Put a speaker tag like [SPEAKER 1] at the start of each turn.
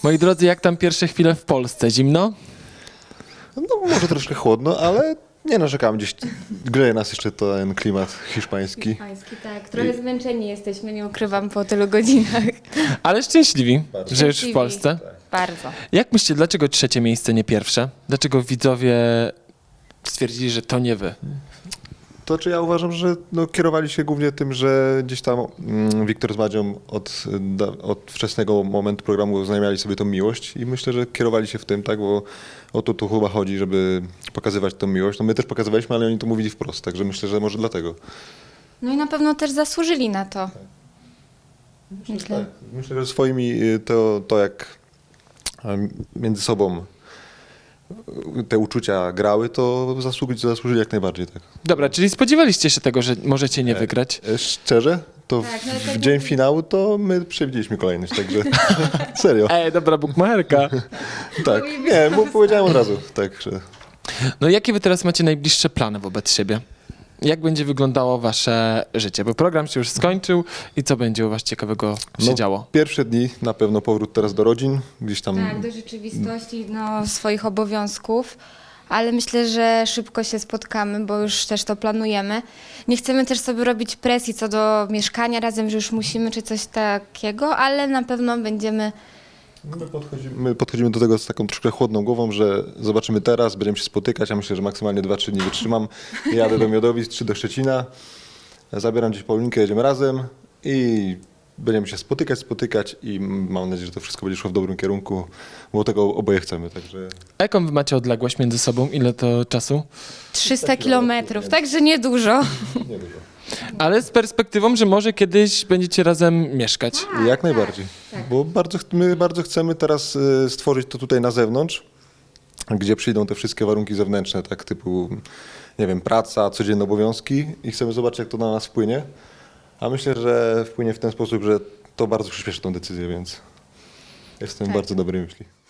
[SPEAKER 1] Moi drodzy, jak tam pierwsze chwile w Polsce? Zimno?
[SPEAKER 2] No może troszkę chłodno, ale nie narzekam. Gdzieś grzeje nas jeszcze ten klimat hiszpański.
[SPEAKER 3] Hiszpański, tak. Trochę zmęczeni jesteśmy, nie ukrywam, po tylu godzinach.
[SPEAKER 1] Ale szczęśliwi, że już w
[SPEAKER 3] Szczęśliwi.
[SPEAKER 1] Polsce.
[SPEAKER 3] Bardzo.
[SPEAKER 1] Jak myślicie, dlaczego trzecie miejsce, nie pierwsze? Dlaczego widzowie stwierdzili, że to nie wy?
[SPEAKER 2] To czy ja uważam, że kierowali się głównie tym, że gdzieś tam Wiktor z Madzią od wczesnego momentu programu oznajmiali sobie tą miłość i myślę, że kierowali się w tym, tak, bo o to tu chyba chodzi, żeby pokazywać tą miłość. No my też pokazywaliśmy, ale oni to mówili wprost, także myślę, że może dlatego.
[SPEAKER 3] No i na pewno też zasłużyli na to. Myślę.
[SPEAKER 2] Myślę, że swoimi to jak między sobą te uczucia grały, to zasłużyli jak najbardziej, tak.
[SPEAKER 1] Dobra, czyli spodziewaliście się tego, że możecie nie wygrać?
[SPEAKER 2] Szczerze, to
[SPEAKER 3] Tak, no
[SPEAKER 2] w
[SPEAKER 3] tak
[SPEAKER 2] dzień
[SPEAKER 3] jak-
[SPEAKER 2] finału to my przewidzieliśmy kolejność, także serio.
[SPEAKER 1] Dobra bukmacherka.
[SPEAKER 2] Tak, nie, bo powiedziałem od razu, tak, że
[SPEAKER 1] No jakie wy teraz macie najbliższe plany wobec siebie? Jak będzie wyglądało wasze życie? Bo program się już skończył i co będzie u was ciekawego się
[SPEAKER 2] No,
[SPEAKER 1] działo?
[SPEAKER 2] pierwsze dni na pewno powrót teraz do rodzin, gdzieś tam
[SPEAKER 3] Tak, do rzeczywistości, swoich obowiązków, ale myślę, że szybko się spotkamy, bo już też to planujemy. Nie chcemy też sobie robić presji co do mieszkania razem, że już musimy czy coś takiego, ale na pewno będziemy.
[SPEAKER 2] my podchodzimy do tego z taką troszkę chłodną głową, że zobaczymy teraz, będziemy się spotykać, ja myślę, że maksymalnie 2-3 dni wytrzymam. Jadę do Miodowic czy do Szczecina, zabieram gdzieś Paulinkę, jedziemy razem i będziemy się spotykać i mam nadzieję, że to wszystko będzie szło w dobrym kierunku, bo tego oboje chcemy, także
[SPEAKER 1] A jaką wy macie odległość między sobą? Ile to czasu?
[SPEAKER 3] 300 kilometrów, także niedużo.
[SPEAKER 2] niedużo.
[SPEAKER 1] Ale z perspektywą, że może kiedyś będziecie razem mieszkać.
[SPEAKER 2] Jak najbardziej, bo my bardzo chcemy teraz stworzyć to tutaj na zewnątrz, gdzie przyjdą te wszystkie warunki zewnętrzne, tak typu, nie wiem, praca, codzienne obowiązki i chcemy zobaczyć, jak to na nas wpłynie, a myślę, że wpłynie w ten sposób, że to bardzo przyspieszy tą decyzję, więc jestem bardzo dobrej myśli.